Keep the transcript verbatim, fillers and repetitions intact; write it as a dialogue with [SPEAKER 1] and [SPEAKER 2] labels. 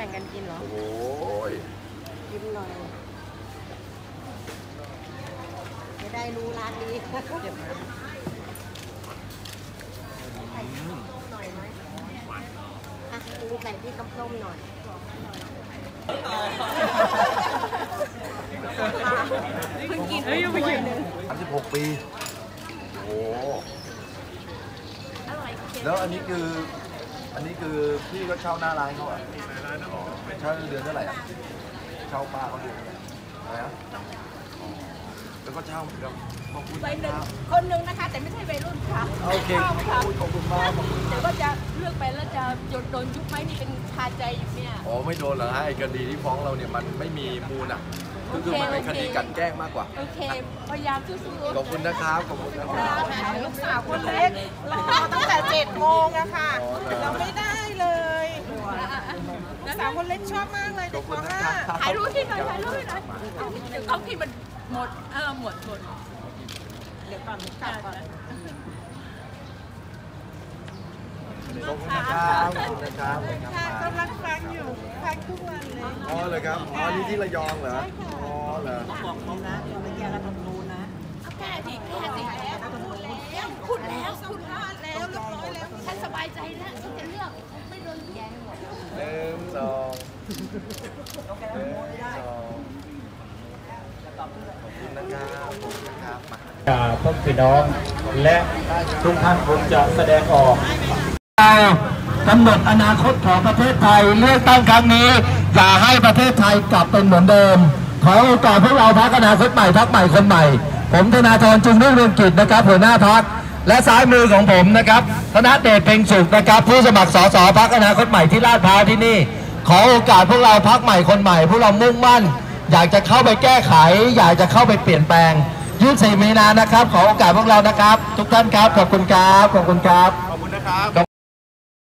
[SPEAKER 1] งกันกินเหรอ
[SPEAKER 2] โอ้ย
[SPEAKER 1] กินหน่อยจะได้รู้ร้านนี้เก็บมาใส่น้ำส้มหน่อยไหมอ่ะดูใส่ที่น้ำส้มหน่อยเพิ่งกินเฮ้ยยังไม่กิน
[SPEAKER 2] สามสิบหกปีโอ้แล้วอันนี้คืออันนี้คือพี่ก็เช่าหน้าร้านเขาอ่ะเช่าเดือนเท่าไหร่อ่ะเช่าป้าเขาเดือนเท่าไหร่อะไรนะแล้วก็เช่าเหมือนกับ
[SPEAKER 3] วัยหนึ่งคนหนึ่งนะคะแต่ไม่ใช่วัยรุ่นค่ะโอเค
[SPEAKER 2] ขอบคุณมาก
[SPEAKER 3] แต่ว่าจะเลือกไปแล้วจะโดนยุบไหมนี่เป็นคาใจอยู่เนี่ย
[SPEAKER 2] อ๋อไม่โดนเหรอฮะไอ้คดีที่ฟ้องเราเนี่ยมันไม่มีมูลอ่ะก็คือมันเป็นคดีกันแกล้งมากกว่า
[SPEAKER 3] โอเคพยายามสู้ๆ
[SPEAKER 2] ขอบคุณนะครับขอบคุณนะครับ
[SPEAKER 1] ลูกสาวคนเล็กรอตั้งแต่เจ็ดโมงอะค่ะเราไม่ได้เลยลูกสาวคนเล็กชอบมากเลยเด็กคนห้า
[SPEAKER 3] ถ่ายรูปที่หน่อยถ่ายรูปที่หน่อยเดี๋ยวเอาที่มันหมดเออหมดหมด
[SPEAKER 1] เดี๋ยวก่อนกลับก่อน
[SPEAKER 2] ขอบคุณนะครับขอบคุณนะครับ
[SPEAKER 1] กำลังฟังอยู่ฟังทุกวันเลย
[SPEAKER 2] อ๋อเลยครับอ๋อนี่ที่ระยองเหรออ๋อเหรอ
[SPEAKER 1] บอกเขานะไม่แก้รัฐธรรมนูญนะ
[SPEAKER 3] แก้สิแก้สิแล้วพูดแล้วพูดแล้วแล้วเรียบร้อยแล้วฉันสบายใจแล้วฉันจะเลือกไม่โดนแย่หมด
[SPEAKER 2] หนึ่งสองหนึ่งสองขอบคุณนะครับขอบคุณนะครับ
[SPEAKER 4] มาพ่อพี่น้องและทุกท่านคงจะแสดงออกกำหนดอนาคตของประเทศไทยเลือกตั้งครั้งนี้อย่าให้ประเทศไทยกลับเป็นเหมือนเดิมขอโอกาสพวกเราพรรคอนาคตใหม่พรรคใหม่คนใหม่ผมธนาธรจึงรุ่งเรืองกิจนะครับหัวหน้าพรรคและซ้ายมือของผมนะครับธนเดชเพ็งสุขนะครับผู้สมัครสสพรรคอนาคตใหม่ที่ลาดพร้าวที่นี่ขอโอกาสพวกเราพรรคใหม่คนใหม่พวกเรามุ่งมั่นอยากจะเข้าไปแก้ไขอยากจะเข้าไปเปลี่ยนแปลงยี่สิบสี่มีนานะครับขอโอกาสพวกเรานะครับทุกท่านครับขอบคุณครับขอบคุณครับ
[SPEAKER 2] ขอบคุณนะครับ